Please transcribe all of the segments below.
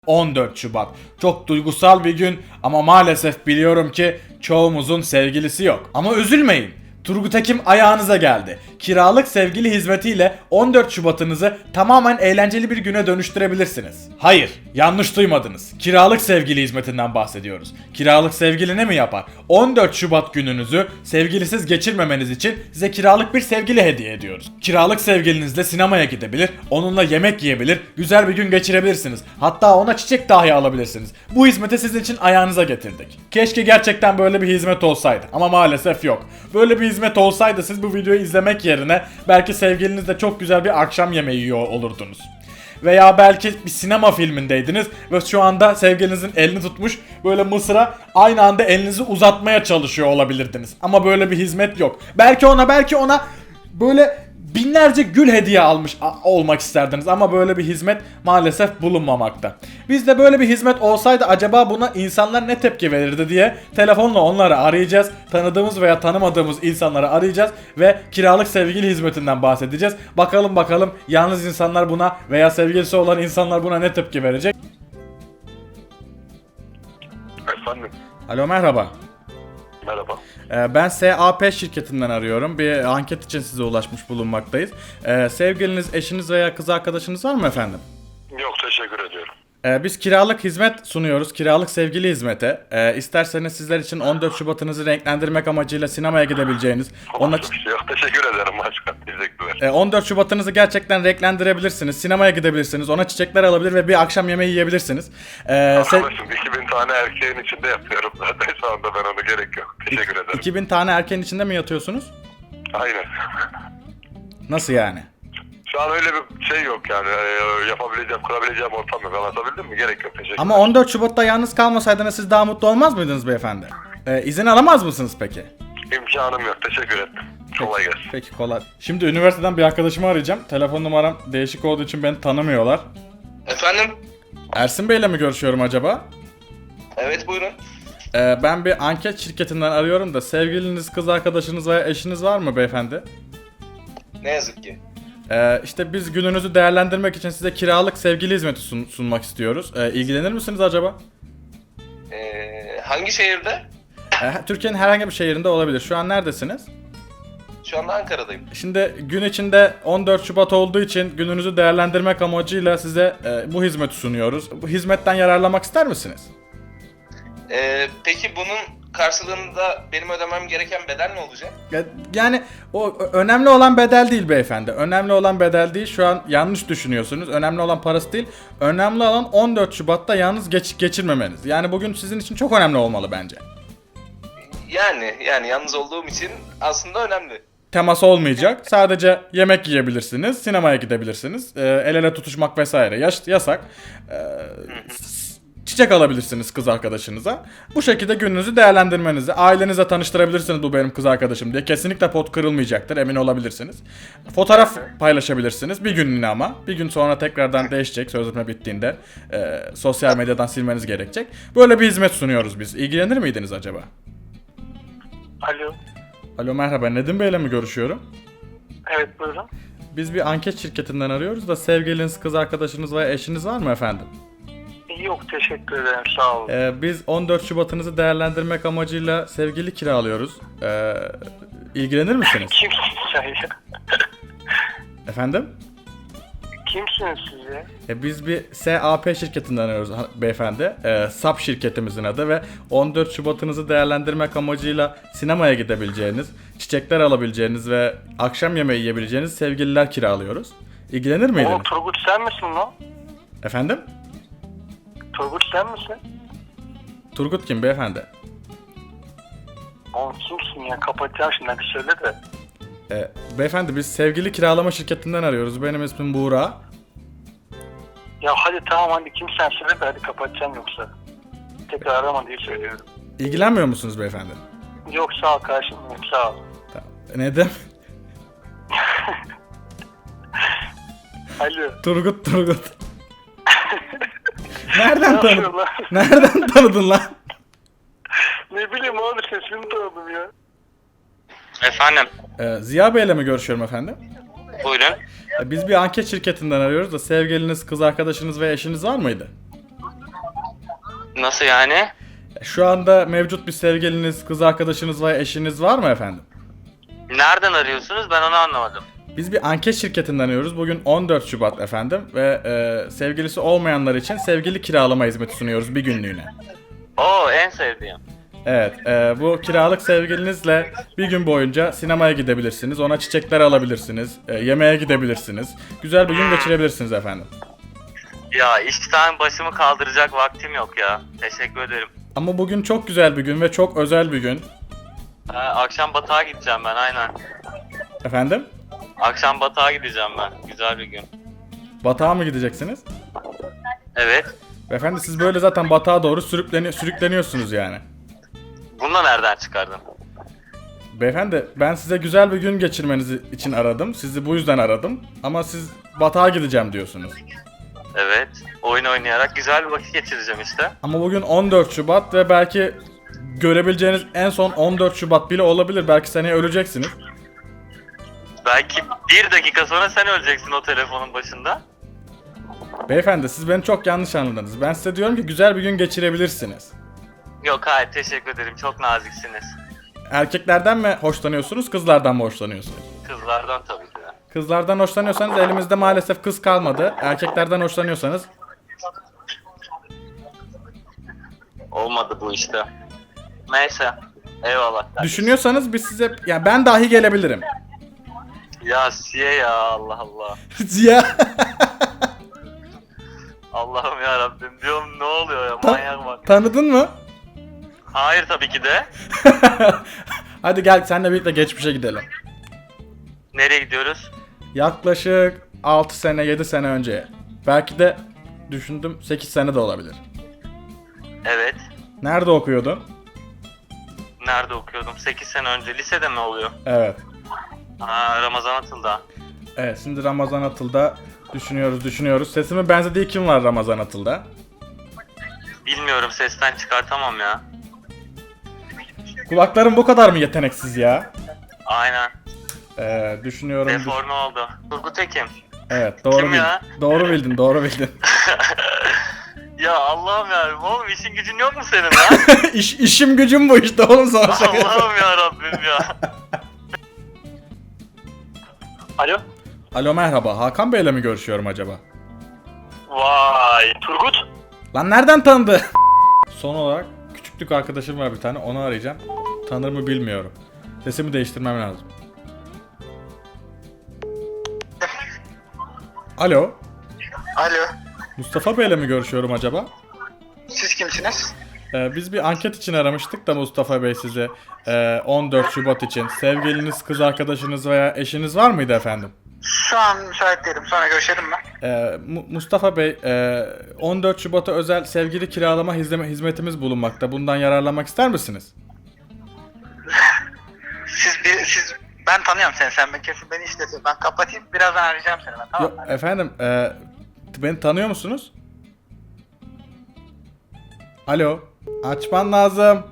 14 Şubat. Çok duygusal bir gün ama maalesef biliyorum ki çoğumuzun sevgilisi yok. Ama üzülmeyin. Turgut Ekim ayağınıza geldi. Kiralık sevgili hizmetiyle 14 Şubat'ınızı tamamen eğlenceli bir güne dönüştürebilirsiniz. Hayır, yanlış duymadınız. Kiralık sevgili hizmetinden bahsediyoruz. Kiralık sevgili ne mi yapar? 14 Şubat gününüzü sevgilisiz geçirmemeniz için size kiralık bir sevgili hediye ediyoruz. Kiralık sevgilinizle sinemaya gidebilir, onunla yemek yiyebilir, güzel bir gün geçirebilirsiniz. Hatta ona çiçek dahi alabilirsiniz. Bu hizmeti sizin için ayağınıza getirdik. Keşke gerçekten böyle bir hizmet olsaydı ama maalesef yok. Böyle bir hizmet olsaydı siz bu videoyu izlemek yerine belki sevgilinizle çok güzel bir akşam yemeği yiyor olurdunuz. Veya belki bir sinema filmindeydiniz ve şu anda sevgilinizin elini tutmuş böyle mısıra aynı anda elinizi uzatmaya çalışıyor olabilirdiniz. Ama böyle bir hizmet yok. Belki ona böyle binlerce gül hediye almış olmak isterdiniz ama böyle bir hizmet maalesef bulunmamakta. Bizde böyle bir hizmet olsaydı acaba buna insanlar ne tepki verirdi diye telefonla onları arayacağız. Tanıdığımız veya tanımadığımız insanları arayacağız ve kiralık sevgili hizmetinden bahsedeceğiz. Bakalım yalnız insanlar buna veya sevgilisi olan insanlar buna ne tepki verecek? Efendim? Alo, merhaba. Merhaba. Ben SAP şirketinden arıyorum. Bir anket için size ulaşmış bulunmaktayız. Sevgiliniz, eşiniz veya kız arkadaşınız var mı efendim? Yok, teşekkür ediyorum. Biz kiralık hizmet sunuyoruz. Kiralık sevgili hizmeti. İsterseniz sizler için 14 Şubat'ınızı renklendirmek amacıyla sinemaya gidebileceğiniz. Yok, teşekkür ederim başkan. Teşekkürler. 14 Şubat'ınızı gerçekten renklendirebilirsiniz. Sinemaya gidebilirsiniz. Ona çiçekler alabilir ve bir akşam yemeği yiyebilirsiniz. Arkadaşım 2000 tane erkeğin içinde yapıyorum zaten şu anda, ben ona gerek yok. Teşekkür ederim. 2000 tane erkeğin içinde mi yatıyorsunuz? Aynen. Nasıl yani? Şu an öyle bir şey yok yani, yapabileceğim, kurabileceğim ortam yok. Anlatabildim mi? Gerek yok. Teşekkür Ama 14 Şubat'ta yalnız kalmasaydınız siz daha mutlu olmaz mıydınız beyefendi? İzin alamaz mısınız peki? İmkanım yok. Teşekkür ederim. Kolay gelsin. Peki, kolay. Şimdi üniversiteden bir arkadaşımı arayacağım. Telefon numaram değişik olduğu için beni tanımıyorlar. Efendim? Ersin Bey'le mi görüşüyorum acaba? Evet, buyurun. Ben bir anket şirketinden arıyorum da sevgiliniz, kız arkadaşınız veya eşiniz var mı beyefendi? Ne yazık ki. İşte biz gününüzü değerlendirmek için size kiralık sevgili hizmeti sunmak istiyoruz. İlgilenir misiniz acaba? Hangi şehirde? Türkiye'nin herhangi bir şehrinde olabilir. Şu an neredesiniz? Şu anda Ankara'dayım. Şimdi gün içinde 14 Şubat olduğu için gününüzü değerlendirmek amacıyla size bu hizmeti sunuyoruz. Bu hizmetten yararlanmak ister misiniz? Peki bunun karşılığında benim ödemem gereken bedel ne olacak? Yani o önemli olan bedel değil beyefendi. Önemli olan bedel değil. Şu an yanlış düşünüyorsunuz. Önemli olan parası değil. Önemli olan 14 Şubat'ta yalnız geçirmemeniz. Yani bugün sizin için çok önemli olmalı bence. Yani yalnız olduğum için aslında önemli. Temas olmayacak. Sadece yemek yiyebilirsiniz. Sinemaya gidebilirsiniz. El ele tutuşmak vesaire yasak. Çiçek alabilirsiniz kız arkadaşınıza. Bu şekilde gününüzü değerlendirmenizi, ailenize tanıştırabilirsiniz bu benim kız arkadaşım diye. Kesinlikle pot kırılmayacaktır, emin olabilirsiniz. Fotoğraf paylaşabilirsiniz bir günlüğüne ama. Bir gün sonra tekrardan değişecek sözleşme bittiğinde. Sosyal medyadan silmeniz gerekecek. Böyle bir hizmet sunuyoruz biz. İlgilenir miydiniz acaba? Alo. Alo, merhaba. Nedim Bey'le mi görüşüyorum? Evet, buyurun. Biz bir anket şirketinden arıyoruz da sevgiliniz, kız arkadaşınız veya eşiniz var mı efendim? Yok, teşekkür ederim, sağ olun. Biz 14 Şubat'ınızı değerlendirmek amacıyla sevgili kiralıyoruz. İlgilenir misiniz? Kimsiniz sen ya? Efendim? Kimsiniz siz ya? Biz bir SAP şirketinden arıyoruz beyefendi. SAP şirketimizin adı ve 14 Şubat'ınızı değerlendirmek amacıyla sinemaya gidebileceğiniz, çiçekler alabileceğiniz ve akşam yemeği yiyebileceğiniz sevgililer kiralıyoruz. İlgilenir miydiniz? Oğlum, Turgut sen misin lan? Efendim? Turgut sen misin? Turgut kim beyefendi? Oğlum kimsin ya? Kapatacağım şimdi, hadi söyle de. Beyefendi biz sevgili kiralama şirketinden arıyoruz. Benim ismim Buğra. Ya hadi tamam, hadi kimsen söyle de, hadi kapatacağım yoksa. Tekrar arama diye söylüyorum. İlgilenmiyor musunuz beyefendi? Yok, sağ ol kardeşim benim, sağ ol. Tamam. Neden? Alo. Turgut. Nereden Ne tanıdın? yapıyorsun lan? Nereden tanıdın lan? Ne bileyim oğlum, sesini tanıdım ya. Efendim? Ziya Bey'le mi görüşüyorum efendim? Buyurun. Biz bir anket şirketinden arıyoruz da sevgiliniz, kız arkadaşınız ve eşiniz var mıydı? Nasıl yani? Şu anda mevcut bir sevgiliniz, kız arkadaşınız veya eşiniz var mı efendim? Nereden arıyorsunuz? Ben onu anlamadım. Biz bir anket şirketinden arıyoruz. Bugün 14 Şubat efendim ve sevgilisi olmayanlar için sevgili kiralama hizmeti sunuyoruz bir günlüğüne. Oo, en sevdiğim. Evet, bu kiralık sevgilinizle bir gün boyunca sinemaya gidebilirsiniz, ona çiçekler alabilirsiniz, yemeğe gidebilirsiniz. Güzel bir gün geçirebilirsiniz efendim. Ya işten başımı kaldıracak vaktim yok ya. Teşekkür ederim. Ama bugün çok güzel bir gün ve çok özel bir gün. Akşam Batık'a gideceğim ben, aynen. Efendim? Akşam Batık'a gideceğim ben. Güzel bir gün. Batağa mı gideceksiniz? Evet. Efendim siz böyle zaten batağa doğru sürükleniyorsunuz yani. Bunu da nereden çıkardın? Beyefendi ben size güzel bir gün geçirmeniz için aradım. Sizi bu yüzden aradım. Ama siz batağa gideceğim diyorsunuz. Evet. Oyun oynayarak güzel bir vakit geçireceğim işte. Ama bugün 14 Şubat ve belki görebileceğiniz en son 14 Şubat bile olabilir. Belki seneye öleceksiniz. Belki bir dakika sonra sen öleceksin o telefonun başında. Beyefendi siz beni çok yanlış anladınız. Ben size diyorum ki güzel bir gün geçirebilirsiniz. Yok hayır, teşekkür ederim. Çok naziksiniz. Erkeklerden mi hoşlanıyorsunuz, kızlardan mı hoşlanıyorsunuz? Kızlardan tabii ki de. Kızlardan hoşlanıyorsanız elimizde maalesef kız kalmadı. Erkeklerden hoşlanıyorsanız Olmadı bu işte. Neyse. Eyvallah. düşünüyorsanız biz size yani ben dahi gelebilirim. Ya Siye ya, Allah Allah. Ziya. Allah'ım ya Rabbim, diyorum ne oluyor ya, Ta- manyak bak. Tanıdın mı? Hayır tabii ki de. Hadi gel senle birlikte geçmişe gidelim. Nereye gidiyoruz? Yaklaşık 6 sene 7 sene önce. Belki de düşündüm 8 sene de olabilir. Evet. Nerede okuyordun? Nerede okuyordum? 8 sene önce. Lisede mi oluyor? Evet. Ha, Ramazan Atıl'da. Evet şimdi Ramazan Atıl'da düşünüyoruz. Sesime benzediği kim var Ramazan Atıl'da? Bilmiyorum, sesten çıkartamam ya. Kulaklarım bu kadar mı yeteneksiz ya? Aynen. Düşünüyorum. Deforme oldu. Turgut Ekim. Evet doğru Kim bildin. ya? Doğru bildin. Ya Allah'ım ya, oğlum işin gücün yok mu senin lan? İşim gücüm bu işte oğlum sana şaka yapıyorum. Allah'ım ya Rabbim ya. Alo. Alo merhaba Hakan Bey'le mi görüşüyorum acaba? Vay Turgut. Lan nereden tanıdı? Son olarak küçüklük arkadaşım var bir tane onu arayacağım. Tanır mı bilmiyorum. Sesimi değiştirmem lazım. Alo. Alo. Mustafa Bey'le mi görüşüyorum acaba? Siz kimsiniz? Biz bir anket için aramıştık da Mustafa Bey size 14 Şubat için. Sevgiliniz, kız arkadaşınız veya eşiniz var mıydı efendim? Şu an müsait değilim. Sonra görüşelim mi? Mustafa Bey 14 Şubat'a özel sevgili kiralama hizmetimiz bulunmakta. Bundan yararlanmak ister misiniz? Siz ben tanıyorum seni. Sen kesin beni işletin. Ben kapatayım. Birazdan arayacağım seni ben. Tamam Yok mı? efendim beni tanıyor musunuz? Alo açman lazım.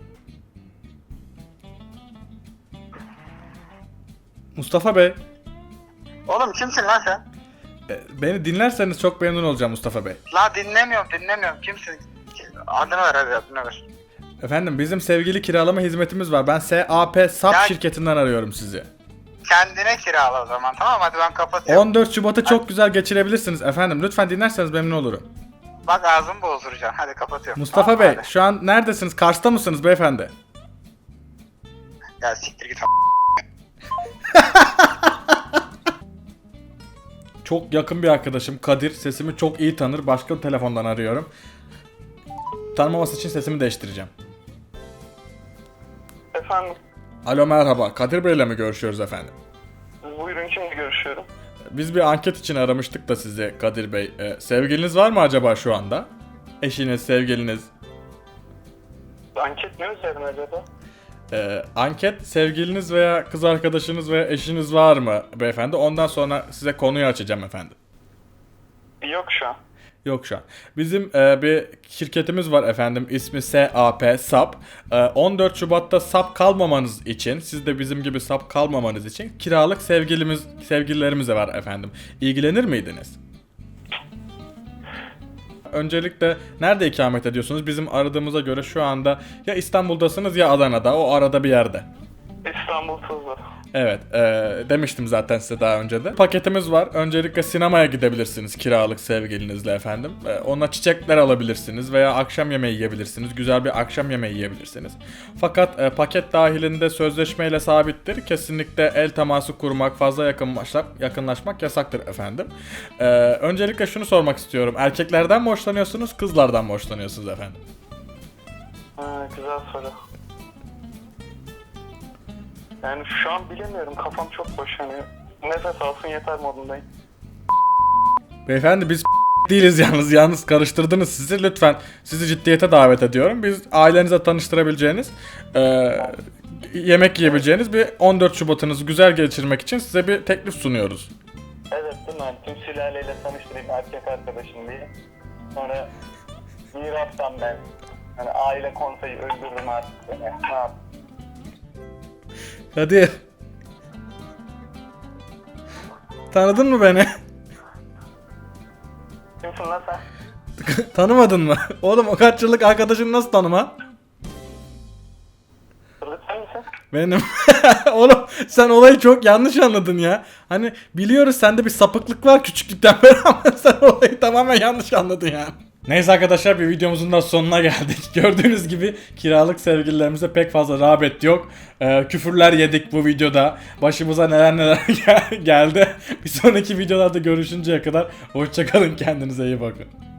Mustafa Bey Oğlum kimsin lan sen? beni dinlerseniz çok memnun olacağım Mustafa Bey. La dinlemiyorum. Kimsin? Adını ver hadi adını ver. Efendim bizim sevgili kiralama hizmetimiz var. Ben SAP SAP Ya- şirketinden arıyorum sizi. Kendine kirala o zaman tamam hadi ben kapatıyorum. 14 Şubat'ı çok güzel geçirebilirsiniz efendim. Lütfen dinlerseniz memnun olurum. Bak ağzımı bozduracağım. Hadi kapatıyorum. Mustafa Tamam, Bey hadi. şu an neredesiniz? Kars'ta mısınız beyefendi? Ya siktir git. Çok yakın bir arkadaşım Kadir. Sesimi çok iyi tanır. Başka bir telefondan arıyorum. Tanımaması için sesimi değiştireceğim. Efendim Alo merhaba. Kadir Bey'le mi görüşüyoruz efendim? buyurun kimle görüşüyorum? Biz bir anket için aramıştık da sizi Kadir Bey. Sevgiliniz var mı acaba şu anda? Eşiniz, sevgiliniz. Anket ne üzerine acaba? Anket sevgiliniz veya kız arkadaşınız veya eşiniz var mı beyefendi? Ondan sonra size konuyu açacağım efendim. Yok şu an. Yok şu an. Bizim bir şirketimiz var efendim. İsmi SAP SAP. 14 Şubat'ta SAP kalmamanız için, siz de bizim gibi SAP kalmamanız için kiralık sevgililerimiz de var efendim. İlgilenir miydiniz? öncelikle nerede ikamet ediyorsunuz? Bizim aradığımıza göre şu anda ya İstanbul'dasınız ya Adana'da. O arada bir yerde. İstanbul Tuzla. Evet, demiştim zaten size daha önce de. Paketimiz var. Öncelikle sinemaya gidebilirsiniz kiralık sevgilinizle efendim. Ona çiçekler alabilirsiniz veya akşam yemeği yiyebilirsiniz. Güzel bir akşam yemeği yiyebilirsiniz. Fakat paket dahilinde sözleşmeyle sabittir. Kesinlikle el teması kurmak, fazla yakınlaşmak yasaktır efendim. Öncelikle şunu sormak istiyorum. Erkeklerden mi hoşlanıyorsunuz, kızlardan mı hoşlanıyorsunuz efendim? Güzel soru. Yani şu an bilemiyorum. Kafam çok boş. Hani nefes alsın yeter modundayım. Beyefendi biz değiliz yalnız karıştırdınız sizi, lütfen sizi ciddiyete davet ediyorum. Biz ailenize tanıştırabileceğiniz, yemek yiyebileceğiniz bir 14 Şubat'ınızı güzel geçirmek için size bir teklif sunuyoruz. Evet değil mi? Hani tüm sülaleyle tanıştırayım erkek arkadaşım diye. Sonra mirastan ben. Hani aile konseyi öldürürüm artık beni. Ne yap? Hadi. Tanıdın mı beni? Kimsin lan sen? Tanımadın mı? Oğlum o kaç yıllık arkadaşını nasıl tanıma? Kırlık sen misin? Benim. Oğlum sen olayı çok yanlış anladın ya. Hani biliyoruz sende bir sapıklık var küçüklükten beri ama sen olayı tamamen yanlış anladın yani. Neyse arkadaşlar, bir videomuzun da sonuna geldik. Gördüğünüz gibi kiralık sevgililerimize pek fazla rağbet yok. Küfürler yedik bu videoda. Başımıza neler geldi. Bir sonraki videolarda görüşünceye kadar hoşça kalın, kendinize iyi bakın.